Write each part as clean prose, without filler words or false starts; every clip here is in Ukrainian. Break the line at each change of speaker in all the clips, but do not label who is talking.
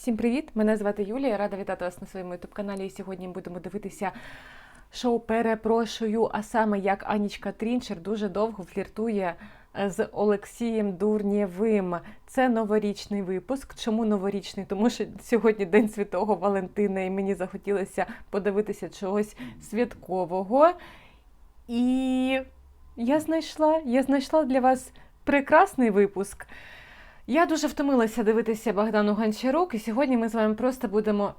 Всім привіт! Мене звати Юлія, рада вітати вас на своєму ютуб-каналі. І сьогодні будемо дивитися шоу «Перепрошую», а саме як Анічка Трінчер дуже довго фліртує з Олексієм Дурнєвим. Це новорічний випуск. Чому новорічний? Тому що сьогодні День Святого Валентина і мені захотілося подивитися чогось святкового. І я знайшла для вас прекрасний випуск. Я дуже втомилася дивитися Богдану Гончарук, і сьогодні ми з вами просто будемо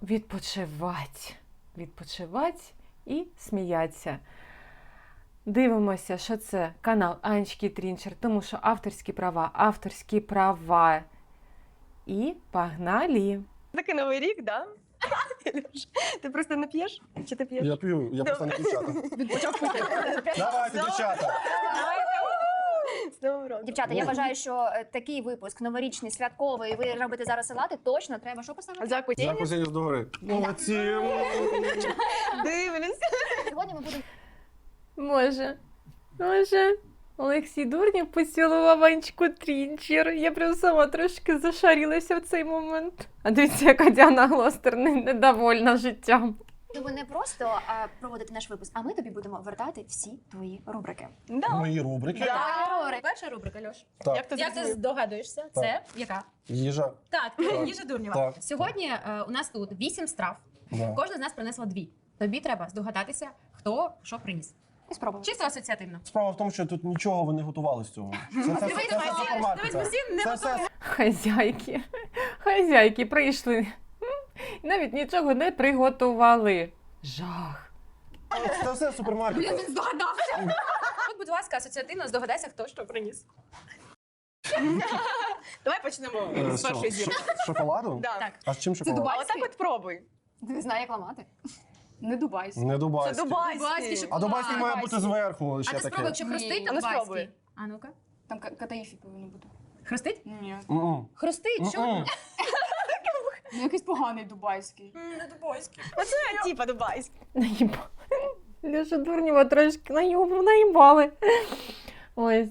відпочивати і сміятися. Дивимося, що це канал Анечки Трінчер, тому що авторські права. І погнали!
Такий новий рік, да? Ти просто не п'єш? Чи ти п'єш?
Я п'ю, я просто не дівчата.
Він почав пити.
Давайте, дівчата!
Дівчата, я вважаю, що такий випуск новорічний, святковий, ви робите зараз салати, точно треба що поставити?
Закусіння.
Закусіння з догори. Молодці!
Дивлюсь.
Сьогодні ми будемо...
Може, Олексій Дурнєв поцілував Анечку Трінчер. Я прям сама трошки зашарілася в цей момент. А дивіться, яка Діана Глостер недовольна життям.
Ми не просто проводити наш випуск, а ми тобі будемо вертати всі твої рубрики.
Да.
Мої рубрики.
Перша рубрика, Льош.
Так.
Як ти
Як ти
зрозумів?
здогадуєшся? Це яка?
Їжа.
Так, їжа Дурнєва.
Так.
Сьогодні у нас тут 8 страв.
Да.
Кожна з нас принесла 2. Тобі треба здогадатися, хто що приніс.
І спробуємо.
Чисто асоціативно.
Справа в тому, що тут нічого ви не готували з цього. Це супермаркет. Це все
Хазяйки прийшли. Навіть нічого не приготували. Жах.
це все супермаркет.
Здогадався. От, будь ласка, асоціативно здогадайся, хто що приніс.
Давай почнемо з першої зірки.
З шоколаду?
Да.
Так.
А з чим шоколад?
А отак от пробуй.
Не знаю, як ламати. Не дубайський.
Не
Це
дубайський.
дубайський.
А дубайський має бути зверху
А
ще
ти спробуй,
таке.
якщо хрустить,
Ні.
то
Ну,
дубайський.
спробуй.
А ну-ка.
Там катаїфі повинно бути.
Хрустить?
Ні.
М-м.
Хрустить, що?
М-м.
Ну, якийсь поганий дубайський.
Не дубайський.
Оце типа дубайський.
Леша Дурнєва трошки наїбали. Ось.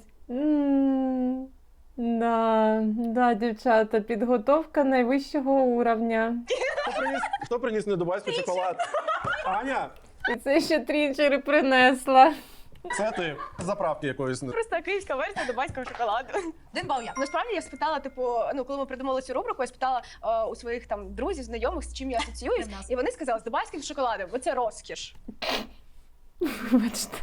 Да, дівчата, підготовка найвищого уровня.
Хто приніс не дубайський шоколад? Аня,
І це ще Трінчери принесла.
це ти. З заправки якоїсь.
Просто київська версія дубайського шоколаду.
1 бал я.
Насправді я спитала, типу, коли ми придумали цю рубрику, я спитала у своїх там друзів, знайомих, з чим я асоціююсь,
Для нас.
і вони сказали, з дубайським шоколадом, бо це розкіш.
Вибачте.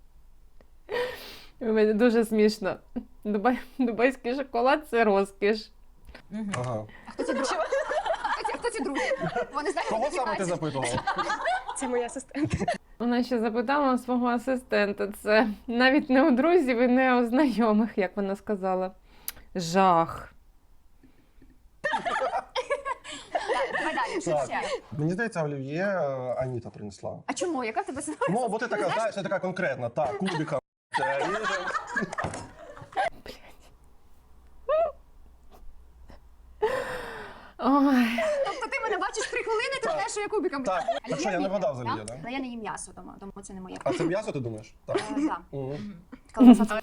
Дуже смішно. Дубайський шоколад – це розкіш.
Ага.
Хто ці друзі? Вони знають,
Кого саме ти запитував?
Це моя асистент.
Вона ще запитала у свого асистента. Це навіть не у друзів і не у знайомих, як вона сказала. Жах.
Давай далі, що
Так.
ще?
Мені здається, олів'є Аніта принесла.
А чому? Яка в тебе ситуація?
Ну, бо ти така, знаєш, ти така конкретна. Так, кубика. ріжемо.
Ой.
Тобто ти мене бачиш 3 хвилини, ти знаєш, що я кубиком.
Так.
А
Так що, я не вгадав за
так?
олів'є, да?
Але я не їм м'ясо, тому це не моє.
А це м'ясо, ти думаєш? Так.
Так.
Мгм.
Колбаса це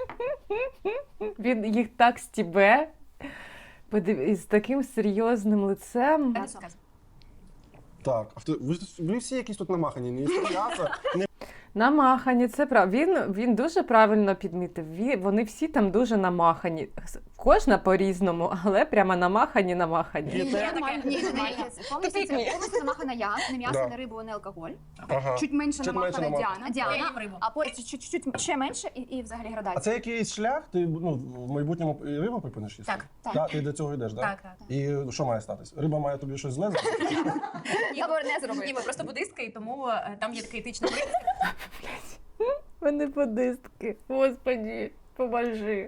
Він їх так стібе. З таким серйозним лицем.
м'ясо.
Так. А ви всі якісь тут намахані, не їсти м'ясо, не
Намахані, це правда. Він дуже правильно підмітив. Вони всі там дуже намахані. Кожна по-різному, але прямо намахані.
Ні,
нормально.
ні,
Тупик.
повністю намахана я, не м'ясо,
Да.
не рибу, не алкоголь.
Ага.
Чуть менше
Чуть менше
намахана
намахана.
Діана.
Я їм рибу.
А потім чуть ще менше і взагалі
А
градація.
це якийсь шлях? Ти в майбутньому і рибу припиниш їсти?
Так.
Так.
Так, ти до цього йдеш, так?
Так.
І що має статись? Риба має тобі щось зле зробити?
Я говорю, не
Ні,
зробити.
ми просто буддистка, і тому там є такий етичний принцип.
Вони подистки. Господи, поможи.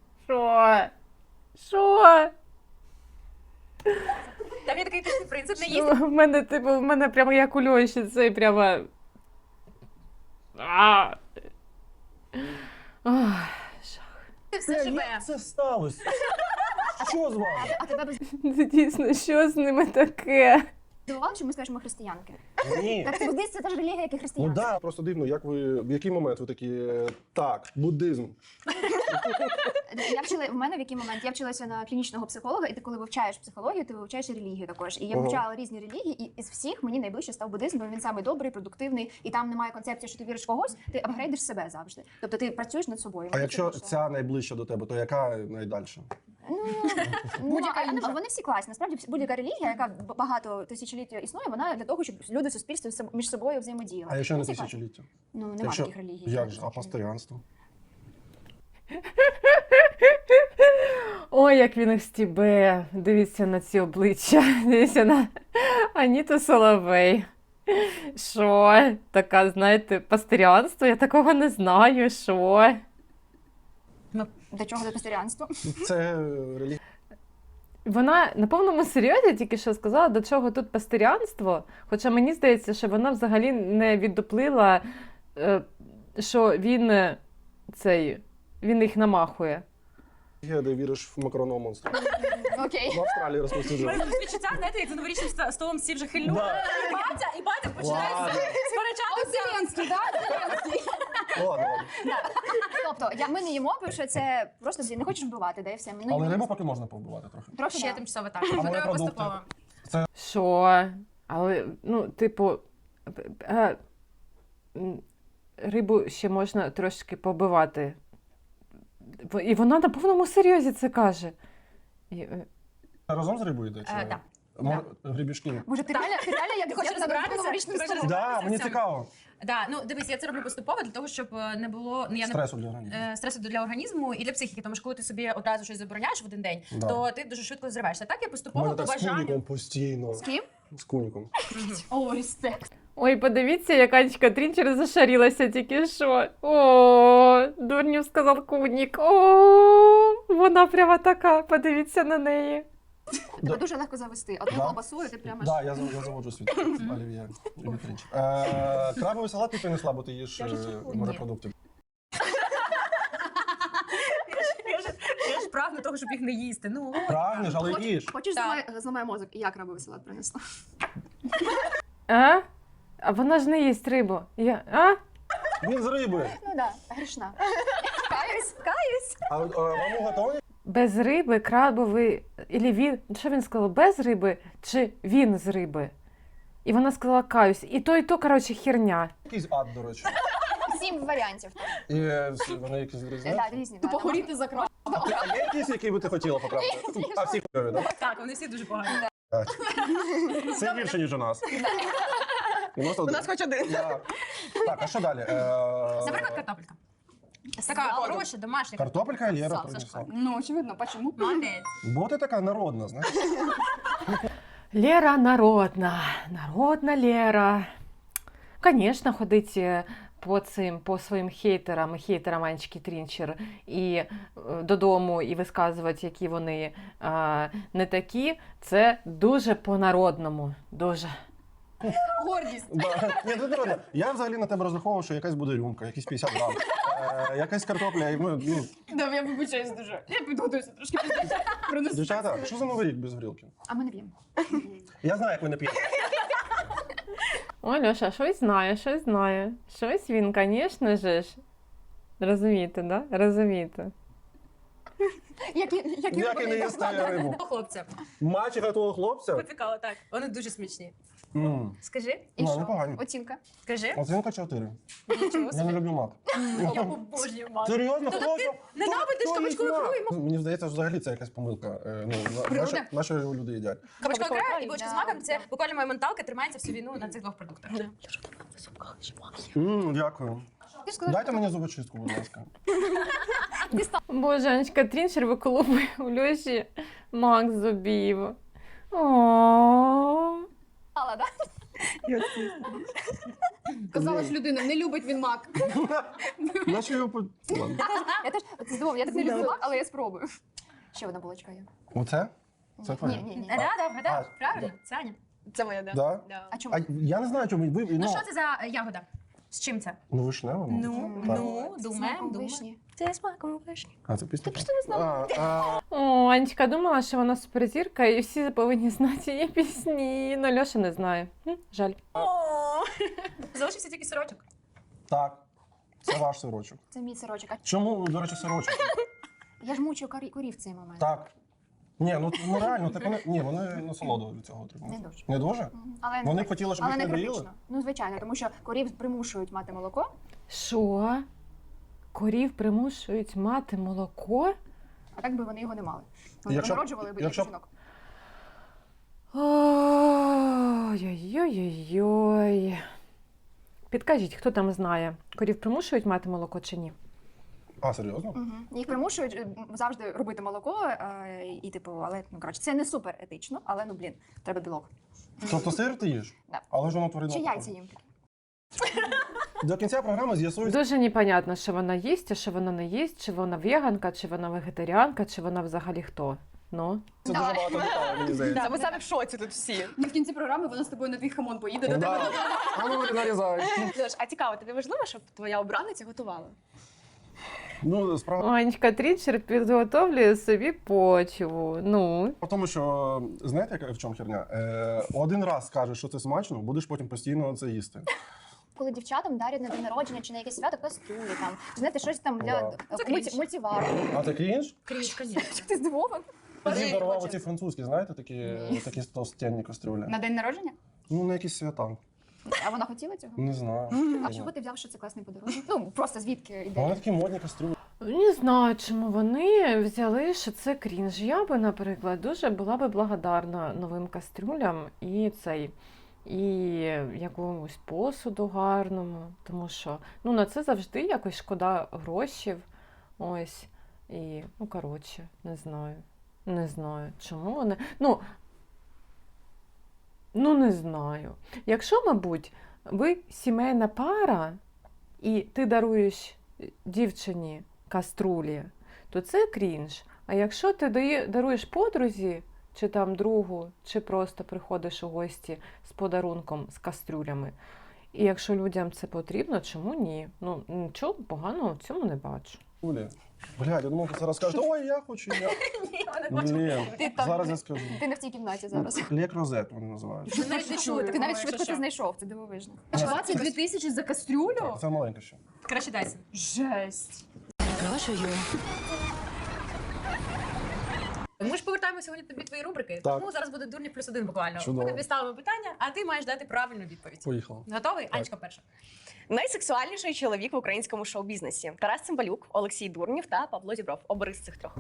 Що?
Там є такий етичний принцип, не їсти.
В мене прямо як у Льоші, це прямо...
Все живе.
Як це сталося? Що з вами?
А тебе б
Це дійсно, що з ними таке?
здивувало, що ми скажемо християнки?
Ні.
Так буддизм це теж релігія, як і
Ну
християнство.
да, просто дивно, як ви, в який момент ви такі, так, буддизм.
В мене в який момент? Я вчилася на клінічного психолога, і ти коли вивчаєш психологію, ти вивчаєш і релігію також. І я
Ага.
вивчала різні релігії, і із всіх мені найближче став буддизм, бо він самий добрий, продуктивний, і там немає концепції, що ти віриш в когось, ти апгрейдиш себе завжди. Тобто ти працюєш над собою.
А якщо ця найближча до тебе, то яка найдальша?
Будь-яка вони всі класні. Насправді будь-яка релігія, яка багато тисячоліть існує, вона для того, щоб люди в суспільстві між собою взаємодіяли.
А якщо не
Всі класні.
тисячоліття?
Ну нема
Якщо...
таких релігій.
Як же? А пасторянство?
Ой, як він їх стібе. Дивіться на ці обличчя. Дивіться на Аніту Соловей. Що? Така, знаєте, пастирянство? Я такого не знаю. Що?
До чого до пасторянства?
Це релігія.
Вона на повному серйозі тільки що сказала, до чого тут пастирянство. Хоча мені здається, що вона взагалі не віддоплила, що він їх намахує.
Де віриш в макаронного монстра.
Окей.
В Австралії розповсюджує.
Мене відчуття, знаєте, як за новорічним столом всі вже хильнули. І батя починає
Ладно.
сперечатися.
Зеленський, так?
Ладно.
Тобто, ми не їмо, бо що це просто не хочеш вбивати, да і все. Ну,
Але рибу поки можна повбивати трохи.
трохи
Ще
да.
тимчасово так.
А мої
Треба
продукти?
поступово.
Що? Але, типу, рибу ще можна трошки побивати. І вона на повному серйозі це каже.
Разом з рибою йде? чи-
Так.
Гребішки.
Може, ти реально як
хочеш
як
розбиратися?
новорічним
Ти
столом?
хочеш
Да, мені
цьому?
цікаво.
Да, ну дивись, я це роблю поступово для того, щоб не було
Стресу для організму.
стресу для організму і для психіки. Тому що коли ти собі одразу щось забороняєш в один день,
Да.
то ти дуже швидко зриваєшся. Так я
У
поступово
мене
по
так з куніком
бажанню.
постійно.
З ким?
З куніком.
О, респект.
Ой, подивіться, як Анечка Трінчер зашарілася тільки що. О, дурнів сказав кунік. О, вона прямо така, подивіться на неї.
Тебе дуже легко завести. Одну
Да.
колбасу, і ти прямо...
Так, я заводжу світ. Олів'є. Вітринчик. Крабовий салат ти принесла, бо ти їш морепродукти.
Я ж прагну того, щоб їх не їсти. Ну,
Прагнеш, але їш.
Хочеш
Так.
зламай мозок? І я крабовий салат принесла.
А? А вона ж не їсть рибу.
Він з риби.
Ну да, грішна. Каюсь.
А вам готові?
Без риби, крабовий, ілі він, що він сказав, без риби чи він з риби? І вона сказала каюсь. І то, коротше, херня.
Якийсь ад, до речі.
7 варіантів.
І вони якісь відрізняються?
Так, різні. Похоріти за краб.
А є якісь, які би ти хотіла поправити? А всі хуйові, так?
так, вони всі дуже погані.
Це гірше, ніж у нас. У нас
хоч один.
Так, а що далі?
Наприклад, картопелька. Така хороша, домашня.
Картопелька Лера
Сал,
принесла.
Сашко.
Ну, очевидно, почему?
Молодець.
Бо ти така народна, знаєш?
Лера народна. Народна Лера. Звісно, ходить по своїм хейтерам Анечки Трінчер і додому і висказувати, які вони не такі. Це дуже по-народному. Дуже.
Гордість.
Ні, це народно. Я взагалі на тебе розраховував, що якась буде рюмка, якісь 50 грам, якась картопля. Ну,
Да, я вибачаюсь дуже. Я підготуюся трошки пізніше.
дівчата, що за новий рік без горілки?
А ми не п'ємо.
Я знаю, як ви не п'єте.
Ой, Льоша, щось знає. Щось він, звісно ж. Розумієте, да? Розумієте.
Як
Як і не їсти рибу.
Хлопця.
Мачеха твого хлопця?
Поцікало, так. Вони дуже смачні.
І
Скажи,
ну, непогані.
Оцінка.
скажи.
Оцінка 4.
Нічого
Я не
собі.
люблю мак.
Я обожнюю мак.
Серйозно?
Ну,
Хто
так ти
хто-
ненавидиш
хто
кабачкову
їсть
ікру і
мак? Мені здається, взагалі це якась помилка.
Природа?
Наші люди їдять.
Кабачкова ікра і
Да.
бочка з маком – це буквально моя менталка тримається всю війну на цих двох продуктах.
Дякую.
Ти ж сказала,
Дайте мені зубочистку, будь ласка.
Боже, Анечка Трінчер виколупує у Льоші мак з зубів. О.
да? Казала ж людина, не любить він мак.
Наче його Ладно.
Я теж здивована, я так не люблю мак, але я спробую. Ще одна булочка є.
Оце? Це твоє?
Ні.
Да, вгадав.
А,
Правильно? Це Аня.
Це моя, да.
Да?
Да.
А чому?
А я не знаю, чому ви.
Ну що це за ягода? З чим це?
Ну, вишнево. Так.
Це
думаємо,
смаком
думаємо.
вишні.
Це смаком вишні.
А, це пісня?
Ти просто не знала.
О, Анечка думала, що вона суперзірка, і всі повинні знати її пісні. Ну, Льоша не знає. Жаль.
Залишився тільки сирочок.
Так. Це ваш сирочок.
Це мій сирочок. А
Чому, до речі, сирочок?
я ж мучу корів в цей момент.
Так. Ні, ну реально, так вони насолоду від цього отримують.
Не дуже.
Не дуже?
Але
Вони б хотіли, щоб
але
їх
не
не доїли?
критично. Ну, звичайно, тому що корів примушують мати молоко.
Що? Корів примушують мати молоко?
А так би вони його не мали. Вони
Якщо-
народжували б
якщо-
як жінок.
Ой-ой-ой-ой. Підкажіть, хто там знає, корів примушують мати молоко чи ні?
А, серйозно?
Їх примушують завжди робити молоко, і типу, але ну коротше, це не супер етично, але ну блін, треба білок.
Тобто сир ти їш?
Да.
Але ж воно тваринне.
Чи яйця їм такі?
До кінця програми з'ясується.
Дуже непонятно, що вона їсть, а що вона не їсть, чи вона веганка, чи вона вегетаріанка, чи вона взагалі хто. Ну.
Це дуже багато деталей, мені здається.
Ми самі в шоці тут всі.
В кінці програми вона з тобою на твій хамон поїде до
Да.
тебе.
А ну нарізай.
Льош, а цікаво, тобі важливо, щоб твоя обраниця готувала?
Ну, справа
Анечка Трінчер підготовлює собі почву. Ну.
в тому, що знаєте, яка в чому херня? Один раз скажеш, що це смачно, будеш потім постійно це їсти.
Коли дівчатам дарять на день народження чи на якесь свято кастрюлі, там, чи знаєте, щось там
Да.
для
Це крінж.
мультивару.
А ти крінж?
Крінж, звісно.
Ти здивований?
Тоді дарував оці французькі, знаєте, такі толстенні кастрюлі.
На день народження?
Ну, на якісь свята.
А вона хотіла цього?
Не знаю.
А чого ти взяв, що це класний подарунок? Ну, просто звідки
Вони
йде?
такі модні кастрюлі.
Не знаю, чому вони взяли, що це крінж. Я би, наприклад, дуже була би благодарна новим кастрюлям і якомусь посуду гарному, тому що ну, на це завжди якось шкода грошів. Ось. І, ну, коротше, не знаю. Не знаю, чому вони. Ну, не знаю. Якщо, мабуть, ви сімейна пара, і ти даруєш дівчині каструлі, то це крінж. А якщо ти даруєш подрузі, чи там другу, чи просто приходиш у гості з подарунком, з кастрюлями, і якщо людям це потрібно, чому ні? Ну, нічого поганого в цьому не бачу.
Блядь, я думав, ти зараз скажеш, ой, я хочу, я. Блін,
Ти там-
зараз я скажу.
Ти не в цій кімнаті зараз.
Лек розет вони називають.
Ти навіть не чули.
Ти навіть швидко це знайшов, це дивовижно.
22 тисячі за кастрюлю?
Це маленьке ще.
Краще дайся.
Жесть.
Ми ж повертаємо сьогодні тобі твої рубрики,
Так.
тому зараз буде дурні плюс один буквально.
Чудово.
Ми тобі ставимо питання, а ти маєш дати правильну відповідь.
Поїхали.
Готовий? Анечка перша.
Найсексуальніший чоловік в українському шоу-бізнесі: Тарас Цимбалюк, Олексій Дурнів та Павло Зібров. Обери з цих трьох.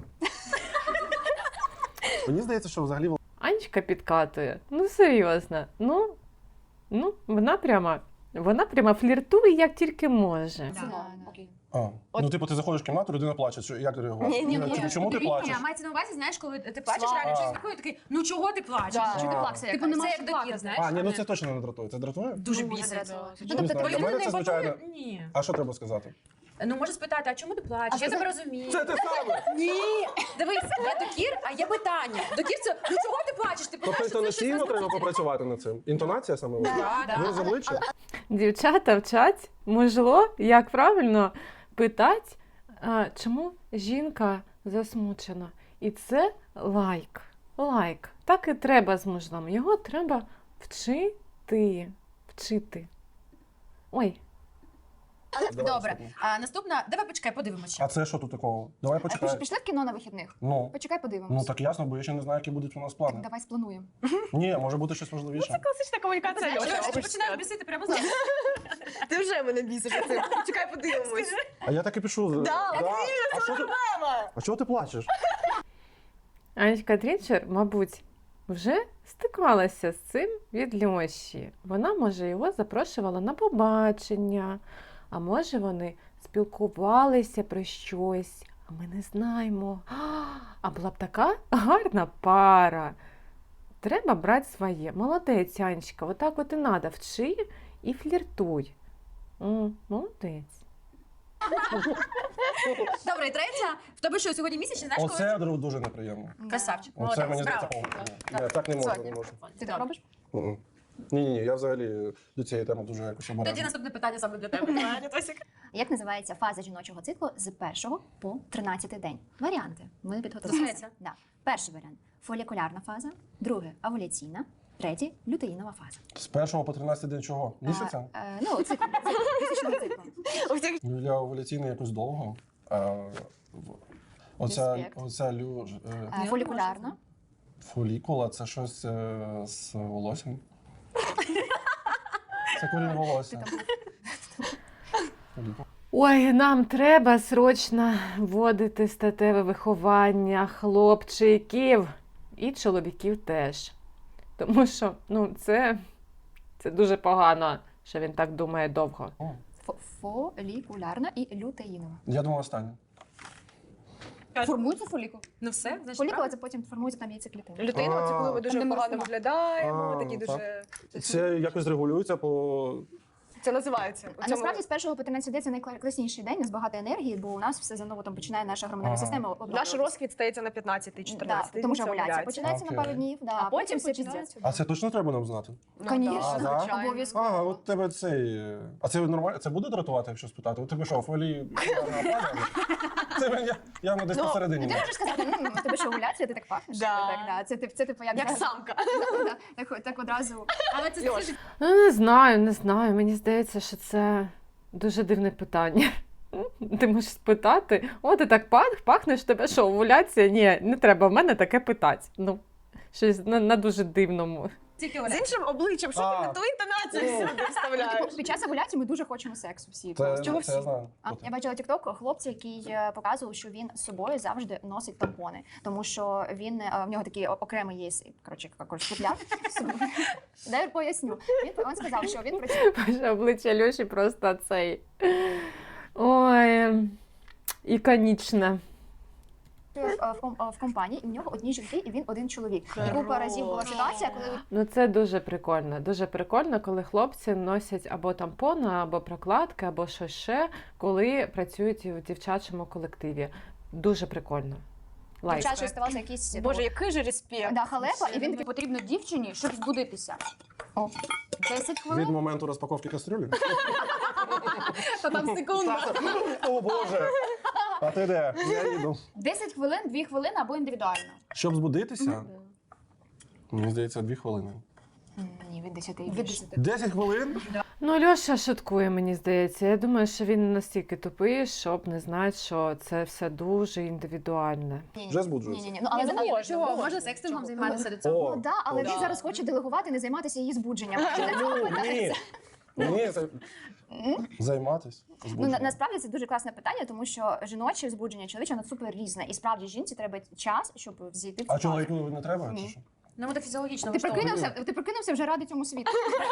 Мені здається, що взагалі
Анечка підкатує. Ну, серйозно. Ну, вона прямо фліртує, як тільки може.
Да.
Окей.
Ну, типу, ти заходиш в кімнату, людина плаче. Як ти реагуєш?
Ні.
Чому ти плачеш?
Ні, мається на увазі, знаєш, коли ти плачеш,
Слава.
реально щось такое, такий, ну чого ти плачеш?
Да.
Чого ти
А.
плакса
Типу,
якась?
нема
Це
що
як докір,
плакати.
знаєш?
А, ні, ну
але
це точно не дратує. Це дратує?
дуже
Дуже
бісить.
дратує.
Ну,
Ну,
Не
тобто,
знаю, для мене це звичайно.
Ні.
А що треба сказати?
Ну, може спитати, а чому ти плачеш?
А
Я
це-
тебе розумію.
Це те саме!
Ні, дивись, є докір, а є питання. Докір це, ну чого ти плачеш? Ти
Тобто
плачеш, це щось
інтонаційно
не
треба попрацювати над цим. Інтонація саме важлива.
Да,
Ви з обличчя?
Дівчата вчать, можливо, як правильно питати, чому жінка засмучена. І це лайк. Лайк. Так і треба з мужем. Його треба вчити. Ой,
Давай,
Добре,
наступне.
а наступна, давай почекай, подивимося.
А це що тут такого? Давай почекай.
Пішли в кіно на вихідних?
Ну.
Почекай, подивимось.
Ну так ясно, бо я ще не знаю, які будуть у нас
Так,
плани.
давай сплануємо.
Ні, може бути щось важливіше.
Класична комунікація.
Знаєш,
Льоша,
ти
хочеш
починаєш
сказати?
бісити прямо зараз.
Ти вже мене бісиш оцим. Чекай, подивимось.
А я так і пишу.
Да,
А що ти- А чого ти плачеш?
Анечка Трінчер, мабуть, вже стикалася з цим від Льоші. Вона, може, його запрошувала на побачення, а може, вони спілкувалися про щось, а ми не знаємо. А була б така гарна пара. Треба брати своє. Молодець, Анечка, отак от і надо. Вчи і фліртуй. Молодець.
Добре, і третя. В тебе що, сьогодні місячний, знаєш, коли?
Оце дуже неприємно.
Красавчик.
Оце
Молодець,
мені
браво.
здається. Ні, так не можна, не можна.
Ти так робиш?
Мгм. Ні, я взагалі до цієї теми дуже якось
Тоді
обережний.
наступне питання саме для тебе. Аня, Тосік.
Як називається фаза жіночого циклу з 1 по 13 день? Варіанти. Ми підготувалися.
Дослухається.
Да. Перший варіант фолікулярна фаза, другий овуляційна, третій лютеїнова фаза.
З 1 по 13 день чого? Місяця?
Ну, цикл, місячного циклу.
Для овуляційної якось довго. Оця
Респект. Фолікулярна.
фолікула це щось з волоссям. Це корінь волосся. Фолікула.
Ой, нам треба срочно вводити статеве виховання хлопчиків і чоловіків теж. Тому що це дуже погано, що він так думає довго.
Фолікулярна і лютеїнова.
Я думаю, останнє.
Формується фолікул.
Ну все, значить,
Фолікула
правильно.
це потім формується там яйцеклітина.
Людина, це коли ми дуже
Там, де ми
погано
ростемо.
виглядаємо, такі
ну,
дуже.
Це якось регулюється по.
Це називається.
А насправді з 1 по 13 день це найкласніший день, у нас багато енергії, бо у нас все заново там починає наша гормональна
Ага.
система
Наш
обновлюватися.
розквіт стається на 15-14.
Да, тому що овуляція починається
Окей.
на пару днів,
А потім
все піздець.
починається.
А це точно треба нам знати?
Конечно,
да?
обов'язково.
Ага, от тебе цей. А це нормально? Це буде дратувати, якщо спитати? У тебе що, фолії? Це я десь
Ну,
посередині.
Ти можеш сказати, у тебе що овуляція, ти так пахнеш?
Да.
Так, да. Це типу як
Як самка.
Так одразу.
Але це
Льош.
Не знаю. Мені здається, що це дуже дивне питання. Ти можеш спитати, ти так пахнеш, тебе що, овуляція? Ні, не треба в мене таке питати. Щось на дуже дивному.
тільки
З
Оля.
іншим обличчям, що ти
А.
не ту інтонацію всюди вставляєш.
Під час овуляції ми дуже хочемо сексу всі.
Це
Чого
я
всі?
знаю.
Я бачила тікток хлопця, який показував, що він з собою завжди носить тампони, тому що в нього такий окремий є, футляр. Дай я поясню. Він сказав, що він працює
Боже, обличчя Льоші просто цей. Ой, іконічне.
в компанії, і в нього одні жінки, і він один чоловік. І купа разів була ситуація, коли
Це дуже прикольно. Дуже прикольно, коли хлопці носять або тампони, або прокладки, або щось ще, коли працюють в дівчачому колективі. Дуже прикольно. Лайк.
чаще ставався якийсь
Боже, який же респект.
халепа, і він такий потрібно дівчині, щоб збудитися. 10
Від
хвилин.
моменту розпаковки кастрюлі?
Та там секунда.
О Боже! А ти де? Я їду.
10 хвилин, 2 хвилини або індивідуально.
Щоб збудитися? Мені здається, 2 хвилини.
Ні, від 10 і більше.
10 хвилин?
Льоша шуткує, мені здається. Я думаю, що він настільки тупий, щоб не знати, що це все дуже індивідуальне.
Вже збуджується.
Ні.
Але
але
можна,
Чого?
можна.
Можна секстингом
Чого?
займатися до цього.
О,
да, але
Да.
він зараз хоче делегувати, не займатися її збудженням.
Ні, це займатися.
Насправді це дуже класне питання, тому що жіноче збудження, чоловіче, воно супер різне. І справді жінці треба час, щоб взійти в цю
А
фазу.
чоловіку не треба?
Ні.
Чи що?
Ну, ми фізіологічно
Ти
влаштовуємо.
прокинувся вже ради цьому світу.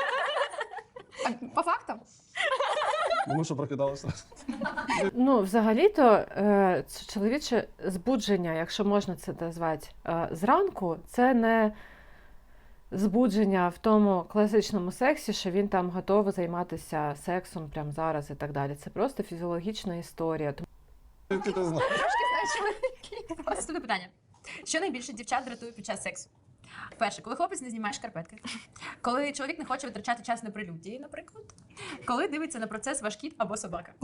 По фактам?
Ну що, прокидалося?
Взагалі-то чоловіче збудження, якщо можна це назвати, зранку, це не збудження в тому класичному сексі, що він там готовий займатися сексом прямо зараз і так далі. Це просто фізіологічна історія.
Ти це знаєш.
Наступне питання. Що найбільше дівчат дратує під час сексу? Перше, коли хлопець не знімає шкарпетки. Коли чоловік не хоче витрачати час на прелюдії, наприклад. Коли дивиться на процес ваш кіт або собака.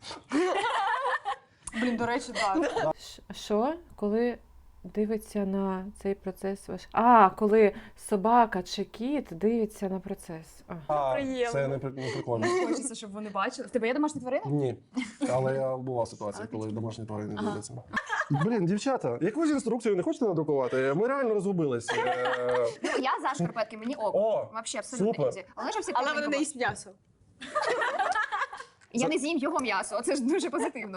Блін, до речі, так.
Що? Коли дивиться на цей процес ваш... коли собака чи кіт дивиться на процес.
Приємно.
Це не прикольно.
Хочеться, щоб вони бачили.
В тебе є домашня тварина?
Ні. Але я була ситуація, коли домашні тварини дивляться. Блін, дівчата, якусь інструкцію не хочете надрукувати? Ми реально розгубились.
Я за шкарпетки, мені ок.
О,
Вообще абсолютно
супер.
ізі. Але ж всі
Але вони
прикольні
не
були.
їсть м'ясо.
Я не з'їм його м'ясо, це ж дуже позитивно.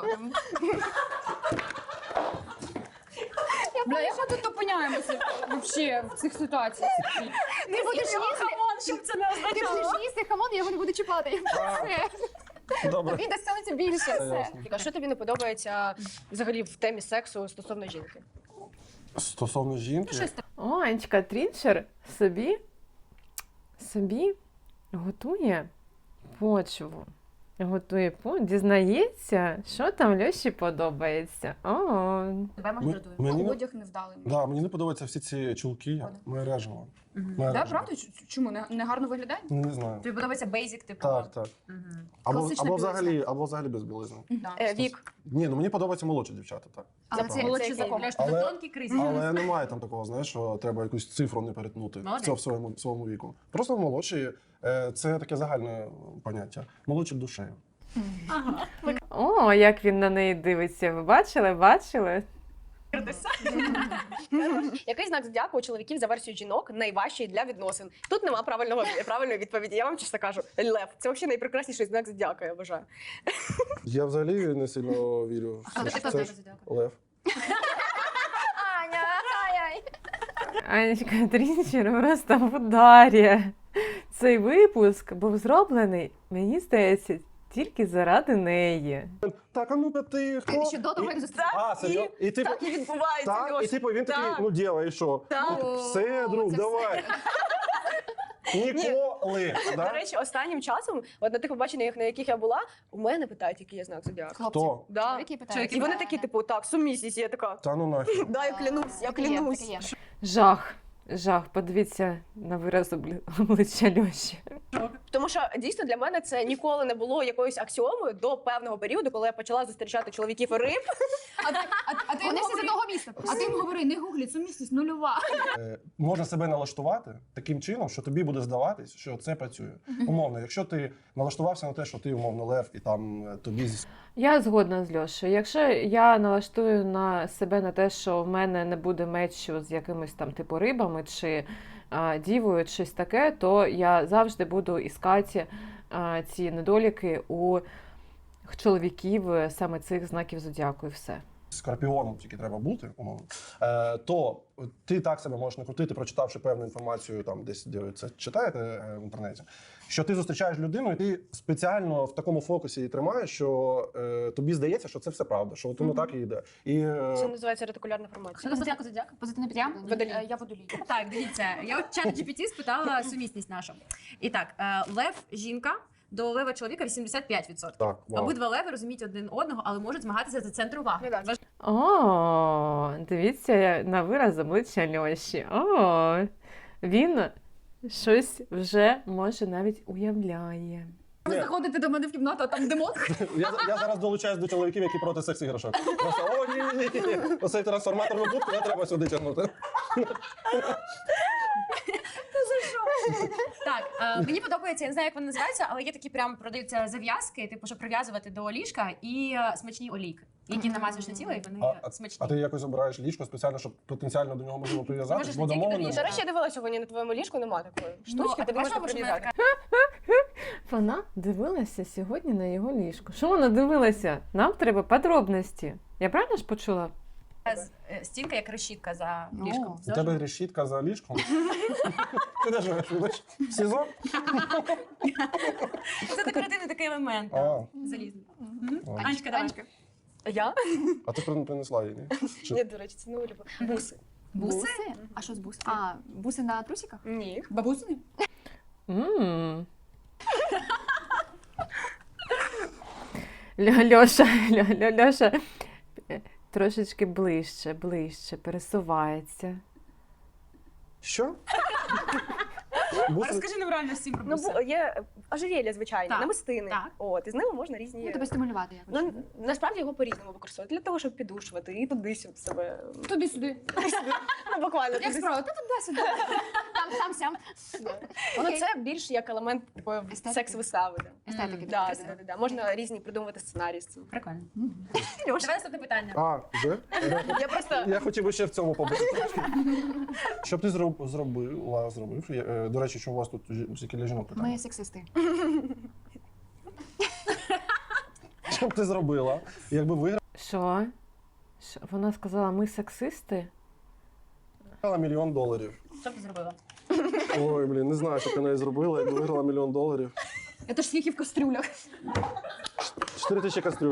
Бля, як ми тут опиняємося вообще в цих ситуаціях?
Ти будеш їсти,
Щоб це не
ти будеш їсти хамон, я його не буду чіпати. Все.
Добре.
Тобі достанеться більше.
Це
Все.
ясно.
А що тобі не подобається взагалі в темі сексу стосовно жінки?
Стосовно жінки,
Анечка Трінчер собі готує почву Готує дізнається, що там Льоші подобається. О,
Тебе може дратує.
Мені не,
Одяг невдалий.
да, мені не подобаються всі ці чулки. Мережево.
Да, правда? Чому? Не гарно виглядає?
Не знаю.
Тобі подобається бейзик, типу?
Так, так.
Мгм.
Класична
Або взагалі без білизни.
Вік.
Ні, ну мені подобаються молодші дівчата, так.
Але
Це
це,
правда.
молодші
це
закон.
Льош, тебе
Але-
тонкий кризис.
Але немає там такого, знаєш, що треба якусь цифру не перетнути
Молодець.
в своєму віку. Просто молодші це таке загальне поняття. Молодші душею.
о, як він на неї дивиться. Ви бачили? Бачили?
Який знак зодіаку у чоловіків за версією жінок найважчий для відносин? Тут нема правильної відповіді. Я вам чесно кажу. Лев. Це взагалі найпрекрасніший знак зодіака, я вважаю.
Я взагалі не сильно вірю в
А
це.
ти хто
Це
знак
ж
зодіаку?
Лев.
Аня, ай-ай.
Анечка Трінчер просто в ударі. Цей випуск був зроблений, мені здається, тільки заради неї.
Так, а ну-ка ти хто?
Ще до того, як зустріти.
А, серйозно? І типу,
Так і відбувається,
так, і
Льош.
типу він такий,
Так.
ну дєва, і що?
Так.
Все, друг,
це
давай. Ніколи.
До
Да?
речі, останнім часом, от на тих побаченнях, на яких я була, у мене питають, який я знак зодіаку.
Хто?
Да.
Чоловіки питають.
І вони такі, типу, так, сумісність. Я така,
Та ну нафіг.
да, я клянусь, я клянусь.
Жах. Жах. Подивіться на вираз обличчя Льоші.
Тому що дійсно для мене це ніколи не було якоюсь аксіомою до певного періоду, коли я почала зустрічати чоловіків і риб.
А ти
Вони
йому
всі з
говори-
одного міста.
А ти йому говори, не гуглі, сумісність нульова.
Можна себе налаштувати таким чином, що тобі буде здаватись, що це працює. Умовно, якщо ти налаштувався на те, що ти умовно лев, і там тобі
Я згодна з Льошею. Якщо я налаштую на себе на те, що в мене не буде мечу з якимись там типу рибами чи дівою, чи щось таке, то я завжди буду іскати ці недоліки у чоловіків саме цих знаків зодіаку і все.
скорпіоном тільки треба бути, умовно, то ти так себе можеш накрутити, прочитавши певну інформацію, там десь де ви це читаєте в інтернеті, що ти зустрічаєш людину, і ти спеціально в такому фокусі її тримаєш, що тобі здається, що це все правда, що воно так і йде. І
Це називається ретикулярна формація.
Що це зодіаку зодіаку?
Позитивне
Я?
підтримка.
Водолій.
Я водолій.
Так, дивіться, я от чат GPT спитала сумісність нашу. І так, лев жінка до лева чоловіка 85%.
так, вау.
Обидва леви розуміють один одного, але можуть змагатися за центр уваги.
Ну, да.
О, дивіться на вираз обличчя Льоші. О, він щось вже може навіть уявляє.
Ви заходите до мене в кімнату, а там демон.
Я зараз долучаюсь до чоловіків, які проти секс-іграшок. Просто, о, ні. Оцей трансформаторну будку не треба сюди тягнути.
Так, мені подобається, я не знаю, як вони називаються, але є такі прям продаються зав'язки, типу, щоб прив'язувати до ліжка і смачні олійки, які намазуєш на тіло, і вони смачні.
А ти якось обираєш ліжко спеціально, щоб потенціально до нього можливо прив'язатись,
Можеш
бо
не тільки до
домовлено.
ліжка.
До речі, я дивилася сьогодні на твоєму ліжку, нема такої штучки,
а
тобі можна
бачила, що в мене
прив'язати.
Вона дивилася сьогодні на його ліжко. Що вона дивилася? Нам треба подробності. Я правильно ж почула?
Стінка як решітка за
Ну.
ліжком.
У тебе решітка за ліжком. Ти де живеш? Вибач? В СІЗО?
Це декоративний такий елемент.
А.
Залізний.
Ладно.
Анечка, давай.
Анечка.
Я?
А ти принесла її, ні? Чи-
Ні, до речі, це не улюблю. Буси.
Буси?
А що з буси? А, буси на трусиках?
Ні.
Бабусини?
М. Льоша трошечки ближче пересувається.
Що?
А
Буси-
розкажи нам реально всім про
Ну,
буси.
є ожерелья, звичайні,
Так,
намистини.
так.
От, і з ними можна різні.
Ну, тебе стимулювати якось.
Ну, насправді його по-різному використовувати. Для того, щоб підушувати і туди-сюди себе.
Туди-сюди.
Ну, буквально.
Як
туди-сюди.
справа? Та туди-сюди.
Там, сям.
Ну,
Окей.
це більш як елемент такої
Естетики.
секс-вистави. Да.
Естетики.
Да,
красиво.
да. Можна різні придумувати сценарії з цим.
Прикольно.
Льош,
Давай наступне питання.
А, вже?
я просто
Я хотів би ще в цьому побути. Що б ти зробив? До речі, що у вас тут тільки для жінок питання?
Ми сексисти.
Що б ти зробила, якби виграла
Що? Вона сказала, ми сексисти?
$1 мільйон?
Що б ти зробила?
Ой, блін, не знаю, що ти неї зробила, якби виграла $1 мільйон.
Це ж скільки в кастрюлях.
4000 кастрюль.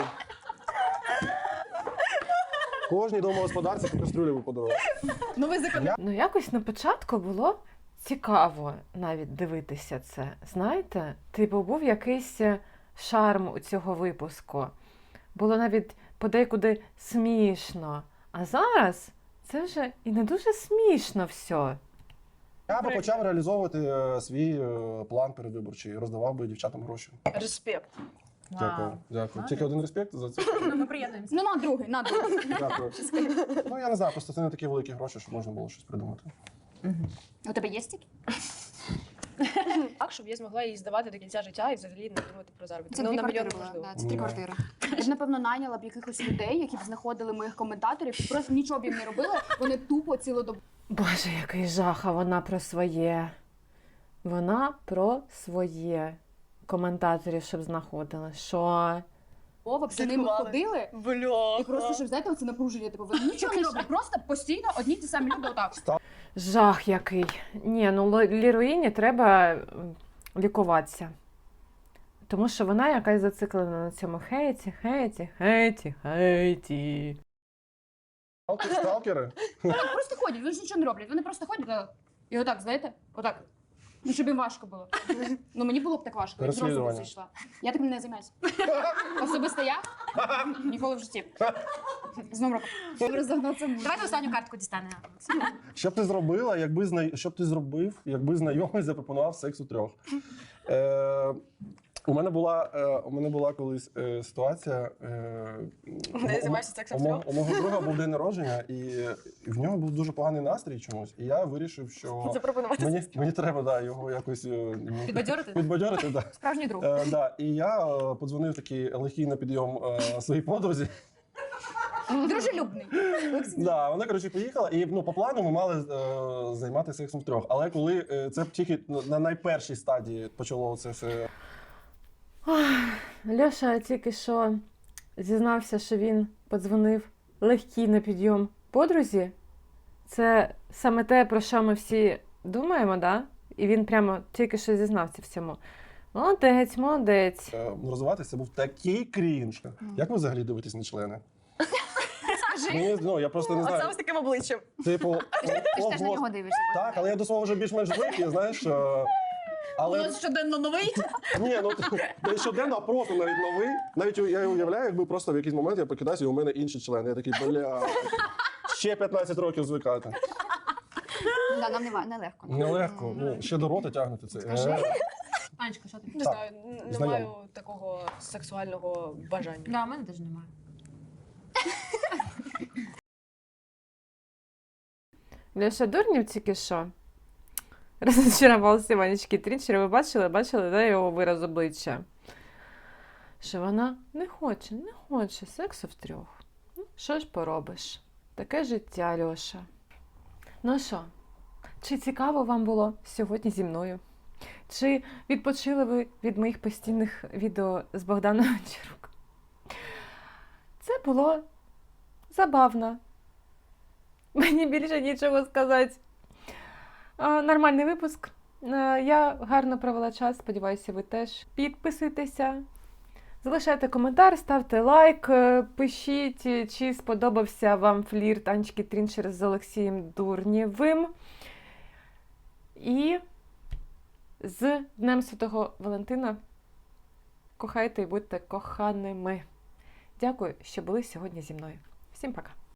Кожній домогосподарці по кастрюлі ви подарували.
Новий закон.
Ну, якось на початку було цікаво навіть дивитися це. Знаєте, типу був якийсь шарм у цього випуску. Було навіть подекуди смішно. А зараз це вже і не дуже смішно все.
Я би почав реалізовувати свій план передвиборчий, роздавав би дівчатам гроші.
Респект.
Дякую. Дякую. Тільки один респект за це.
Ну, ми приєднуємося.
Ну, на другий, на другий.
Дякую. Ну я не знаю, просто це не такі великі гроші, щоб можна було щось придумати.
У тебе є стільки?
Так, щоб я змогла її здавати до кінця життя і взагалі не думати про заробіток.
Це
Ну,
дві
на
квартири
мільйон
були.
можливо.
Да, це 3
Да.
квартири.
Я б, напевно, найняла б якихось людей, які б знаходили моїх коментаторів, просто нічого б їм не робили, вони тупо цілодобово
Боже, який жах, а вона про своє. Вона про своє. Коментаторів, щоб знаходили. Що?
б за ними
Слідкували.
ходили.
Бля.
І просто, щоб, знаєте, оце напруження, типу, вони нічого не роблять, просто постійно одні й ті самі люди отак.
Жах який. Ні, ну Ліруїні треба лікуватися. Тому що вона якась зациклена на цьому хейті.
Сталкери?
Так, просто ходять, вони ж нічого не роблять, вони просто ходять і отак, знаєте, отак. Ну, щоб їм важко було. Ну, мені було б так важко, я зразу б
Переслідування.
зайшла. Я таким не займаюся. Особисто я ніколи в житті. З новим роком. Розогнатися можна.
Давайте останню картку дістане.
Що б ти зробила, що б ти зробив, якби знайомий запропонував секс у трьох? У мене була колись ситуація.
Де займаєшся сексом в трьох?
У мого друга був день народження, і в нього був дуже поганий настрій чомусь. І я вирішив, що
Запропонувати.
мені треба його якось
Підбадьорити?
підбадьорити. Да.
Справжній друг.
Да. І я подзвонив такий легкий на підйом своїй подрузі.
Дружелюбний.
Да, вона, коротше, поїхала, і по плану ми мали займатися сексом втрьох. Але коли це тільки на найпершій стадії почало це все.
Льоша тільки що зізнався, що він подзвонив легкий на підйом подрузі. Це саме те, про що ми всі думаємо, да? І він прямо тільки що зізнався в цьому. Молодець, молодець.
Розвиватися це був такий крінж. Як ви взагалі дивитесь на члени? Я просто не
Оце
знаю.
ось таким обличчям.
Типу,
Ти ж теж на нього дивишся.
так, але я до свого вже більш-менш звик, знаєш. Але
щоденно новий.
ні, не щоденно, а просто навіть новий. Навіть я уявляю, якби просто в якийсь момент я прокидаюся, і у мене інший член. Я такий, ще 15 років звикати.
Да, нам нелегко.
Нелегко. Ще до рота тягнути це.
Анечка, що ти?
Не
Так.
знаю, не
Знайомо.
маю такого сексуального бажання.
Да, у мене теж немає.
Льоша Дурнів тільки що розчарувався Ванечки Трінчера. Ви бачили, да, його вираз обличчя? Що вона не хоче сексу втрьох. Ну, що ж поробиш? Таке життя, Льоша. Ну що, чи цікаво вам було сьогодні зі мною? Чи відпочили ви від моїх постійних відео з Богданом Гончарук? Це було забавно. Мені більше нічого сказати. Нормальний випуск. Я гарно провела час, сподіваюся, ви теж. Підписуйтеся, залишайте коментар, ставте лайк, пишіть, чи сподобався вам флірт Анечки Трінчер з Олексієм Дурнєвим. І з Днем Святого Валентина кохайте і будьте коханими. Дякую, що були сьогодні зі мною. Всім пока!